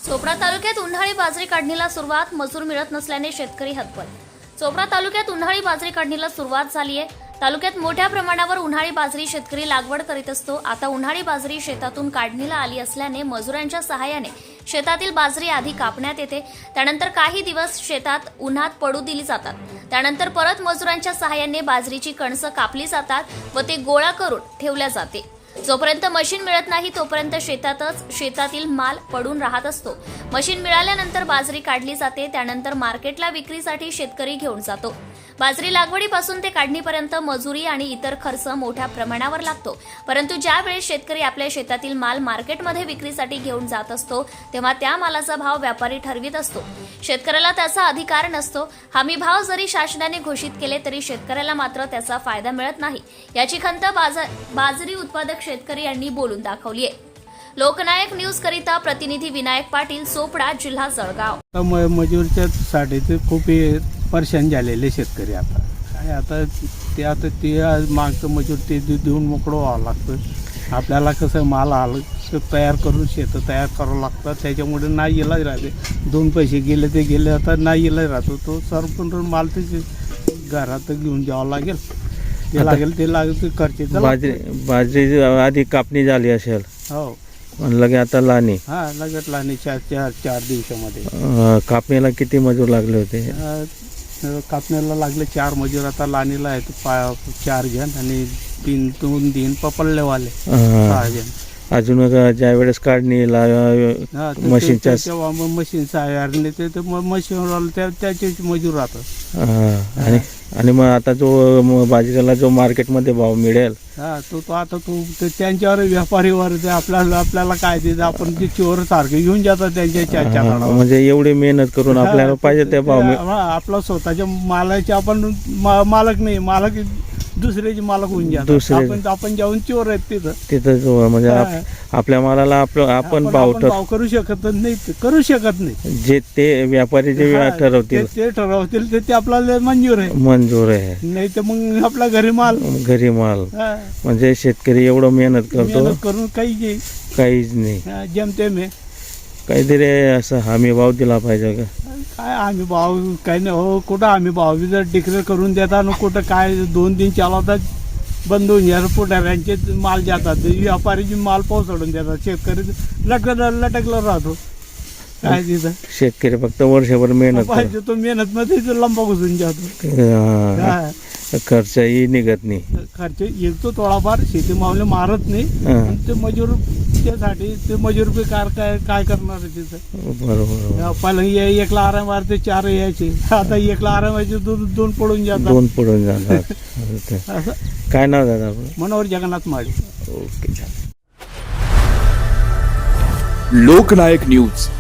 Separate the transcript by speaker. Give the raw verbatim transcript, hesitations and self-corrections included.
Speaker 1: चोपडा तालुक्यात उन्हाळी बाजरी काढणीला सुरुवात, मजूर मिळत नसल्याने शेतकरी हतबल। चोपडा तालुक्यात उन्हाळी बाजरी काढणीला सुरुवात झाली आहे। तालुक्यात मोठ्या प्रमाणावर उन्हाळी बाजरी शेतकरी लागवड करीत असतो। आता उन्हाळी बाजरी शेतातून काढणीला आली असल्याने मजुरांच्या सहाय्याने शेतातील बाजरी आधी कापण्यात येते, त्यानंतर काही दिवस शेतात उन्हात पडू दिली जातात, त्यानंतर परत मजुरांच्या सहाय्याने बाजरीची कणसं कापली जातात व ते गोळा करून ठेवल्या जाते। जोपर्यंत मशीन मिळत नाही तोपर्यंत शेतातच शेतातील माल पडून राहत असतो। मशीन मिळाल्यानंतर बाजरी काढली जाते, त्यानंतर मार्केटला विक्रीसाठी शेतकरी घेऊन जातो। बाजरी लागवडीपासून ते काढणीपर्यंत मजुरी आणि इतर खर्च मोठ्या प्रमाणावर लागतो, परंतु ज्या वेळेस शेतकरी आपल्या शेतातील माल मार्केटमध्ये विक्रीसाठी घेऊन जात असतो तेव्हा त्या मालाचा भाव व्यापारी ठरवित असतो। शेतकऱ्याला त्याचा अधिकार नसतो। हमी भाव जरी शासनाने घोषित केले तरी शेतकऱ्याला मात्र त्याचा फायदा मिळत नाही, याची खंत बाजरी उत्पादक शेतकरी यांनी बोलून दाखवली आहे। लोकनायक न्यूज करिता प्रतिनिधी विनायक पाटील, चोपडा, जिल्हा जळगाव।
Speaker 2: मजूरच्या साठी खूप परेशान झालेले शेतकरी आता काय आता ते आता ते मागचं मजूर ते देऊन मोकळं व्हावं लागतं। आपल्याला कसं माल आलं तयार करून शेतं तयार करावं लागतं, त्याच्यामुळे नाही इलाज राहते। दोन पैसे गेले ते गेले, आता नाही इलाज राहतो। तो सरपंच माल ते घरात घेऊन जावं लागेल, ते लागेल ते लागेल ते खर्च।
Speaker 3: बाजरी बाजरी आधी कापणी झाली असेल,
Speaker 2: हो
Speaker 3: लगे आता लाणी।
Speaker 2: हा लगेच लाणी चार चार चार दिवसामध्ये।
Speaker 3: कापणीला किती मजूर लागले होते?
Speaker 2: कापण्याला लागले चार मजूर, आता लाणीला आहेत पा चार जण आणि तीन दोन दिन पपडलेवाले सहा जण।
Speaker 3: अजून ज्या वेळेस काढणीला मशीनच्या
Speaker 2: तेव्हा मशीनचा आहे ते मशीन त्याचे मजूर राहतात।
Speaker 3: आणि आणि मग आता जो बाजरीला जो मार्केटमध्ये भाव मिळेल
Speaker 2: हा तो तो आता तो त्यांच्यावर व्यापारीवर ते आपल्याला आपल्याला काय देत आपण ते चोर सारखे घेऊन जातात त्यांच्या।
Speaker 3: म्हणजे एवडी मेहनत करून आपल्याला पाहिजे त्या भाव
Speaker 2: आपला स्वतःच्या मालाचे आपण मालक नाही, मालक दुसऱ्याचे मालक होऊन जातात। आपण आपण जाऊन चोर आहेत तिथं
Speaker 3: तिथं म्हणजे आपल्या मालाला आपलं आपण भाव
Speaker 2: भाव करू शकत नाही, करू शकत नाही।
Speaker 3: जे ते व्यापारी जे ठरवतील
Speaker 2: ते ठरवतील ते आपल्याला मंजूर आहे
Speaker 3: मंजूर आहे,
Speaker 2: नाही तर मग आपला घरी माल
Speaker 3: घरी माल। म्हणजे शेतकरी एवढं मेहनत करतो
Speaker 2: करून काही
Speaker 3: काहीच नाही,
Speaker 2: जमतेम आहे।
Speaker 3: काहीतरी असं हमी भाव दिला पाहिजे का?
Speaker 2: काय आम्ही भाव काही नाही हो, कुठं आम्ही भाव जर डिक्लेअर करून देतात ना, कुठं काय दोन दिन चालवतात बंद होऊन जातात, पुढाऱ्यांचे माल जातात, व्यापारीचे माल पोहोचवून देतात, शेतकरी लटक लटकला राहतो। काय तिथं
Speaker 3: शेतकरी फक्त वर्षभर मेहनत
Speaker 2: पाहिजे, तो मेहनत मध्ये लंबा घुसून जातो,
Speaker 3: खर्चही निघत नाही।
Speaker 2: खर्च येतो थोडाफार, शेती मावले मारत नाही, ते मजूर त्यासाठी ते मजूर बी कार काय काय करणार आहे तिथं।
Speaker 3: बरोबर,
Speaker 2: पहिला एकला आराम मारते चार यायचे, आता एकला आराम व्हायचे दोन दोन पडून जातात
Speaker 3: दोन पडून जातात
Speaker 2: असं।
Speaker 3: काय नाव दादा?
Speaker 2: मनोहर जगन्नाथ माळी।
Speaker 3: ओके।
Speaker 4: लोकनायक न्यूज